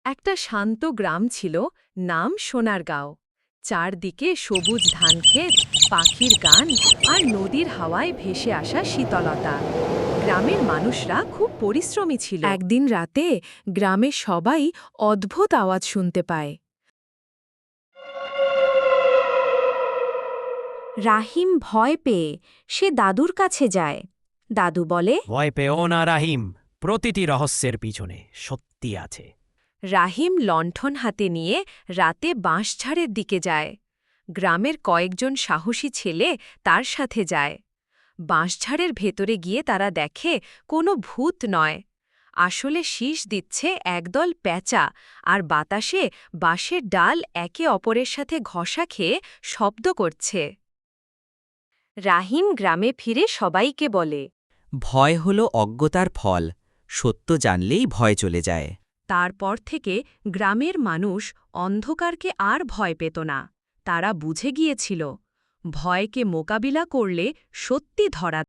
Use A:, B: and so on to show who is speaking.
A: একটা শান্ত গ্রাম ছিল, নাম সোনারগাঁও। চারদিকে সবুজ ধানক্ষেত, পাখির গান আর নদীর হাওয়ায় ভেসে আসা শীতলতা। গ্রামের মানুষরা খুব পরিশ্রমী ছিল। একদিন রাতে গ্রামের সবাই অদ্ভুত আওয়াজ শুনতে পায়। রাহিম ভয় পেয়ে সে দাদুর কাছে যায়। দাদু বলে,
B: ভয় পেও না রাহিম, প্রতিটি রহস্যের পিছনে সত্যি আছে।
A: রাহিম লণ্ঠন হাতে নিয়ে রাতে বাঁশঝাড়ের দিকে যায়। গ্রামের কয়েকজন সাহসী ছেলে তার সাথে যায়। বাঁশঝাড়ের ভেতরে গিয়ে তারা দেখে কোনো ভূত নয়, আসলে শীষ দিচ্ছে একদল প্যাঁচা, আর বাতাসে বাঁশের ডাল একে অপরের সাথে ঘষা খেয়ে শব্দ করছে। রাহিম গ্রামে ফিরে সবাইকে বলে,
C: ভয় হল অজ্ঞতার ফল, সত্য জানলেই ভয় চলে যায়।
A: তারপর থেকে গ্রামের মানুষ অন্ধকারকে আর ভয় পেত না। তারা বুঝে গিয়েছিল, ভয়কে মোকাবিলা করলে সত্যি ধরা